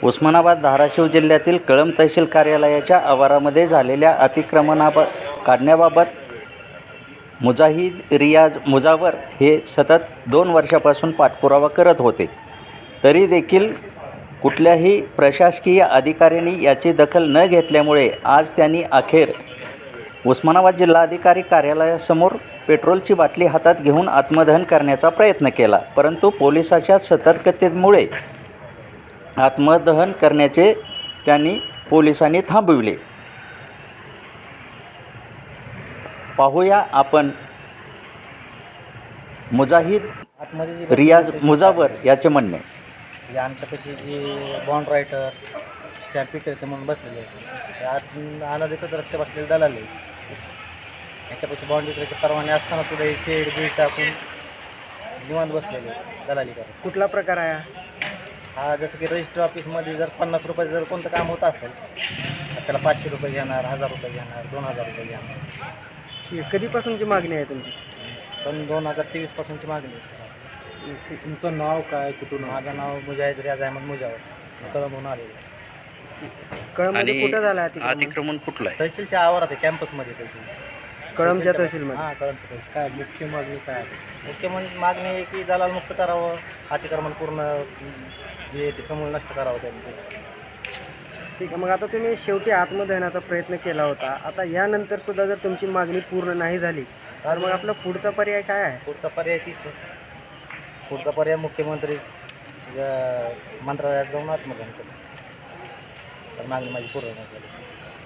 उस्मानाबाद धाराशिव जिल्ह्यातील कळंब तहसील कार्यालयाच्या आवारामध्ये झालेल्या काढण्याबाबत मुजाहिद रियाज मुजावर हे सतत 2 वर्षापासून पाठपुरावा करत होते. तरी देखील कुठल्याही प्रशासकीय अधिकाऱ्यांनी याची दखल न घेतल्यामुळे आज त्यांनी अखेर उस्मानाबाद जिल्हाधिकारी कार्यालयासमोर पेट्रोलची बाटली हातात घेऊन आत्मदहन करण्याचा प्रयत्न केला. परंतु पोलिसांच्या सतर्कतेमुळे आत्मदहन करण्याचे पोलिसांनी थांबविले. पाहूया आपण मुजाहिद रियाज मुजावर याचे म्हणणे. आमच्यापाशी जी बॉन्ड रायटर स्टॅम्प विक्रेते म्हणून बसलेले आहेत, आत अनाधिकृत रस्ते बसलेले दलाल आहे. याच्यापाशी बॉन्ड विक्रेते परवाने असताना सुद्धा हे शेड बीड टाकून निवांत बसलेले दलाली करत. कुठला प्रकार आहे हा जसं की रजिस्टर ऑफिसमध्ये जर 50 रुपयाचं जर कोणतं काम होत असेल तर त्याला 500 रुपये घेणार, 1000 रुपये घेणार, 2000 रुपये घेणार. ठीक आहे. कधीपासूनची मागणी आहे तुमची? सन 2023 पासूनची मागणी आहे सर. तुमचं नाव काय, कुठून? माझं नाव मुजाहिद रियाज अहमद मुजावर, कळंबहून आलेलं आहे. कळंबमध्ये कुठं झालं अतिक्रमण कुठलं आहे? तहसीलच्या आवारात आहे, कॅम्पसमध्ये तहसील. कळंबच्या तहसीलमध्ये? हां, कळंबच्या तहसील. काय मुख्य मागणी काय आहे? मुख्य मागणी आहे की दलाल मुक्त करावं, अतिक्रमण पूर्ण जे ते समूळ नष्ट करावं त्यांनी. ठीक आहे. मग आता तुम्ही शेवटी आत्मदहनाचा प्रयत्न केला होता. आता यानंतर सुद्धा जर तुमची मागणी पूर्ण नाही झाली तर मग आपला पुढचा पर्याय काय आहे? पुढचा पर्याय तीच आहे. पुढचा पर्याय मुख्यमंत्री मंत्रालयात जाऊन आत्मदहन करू. तर मागणी माझी पूर्ण नाही झाली.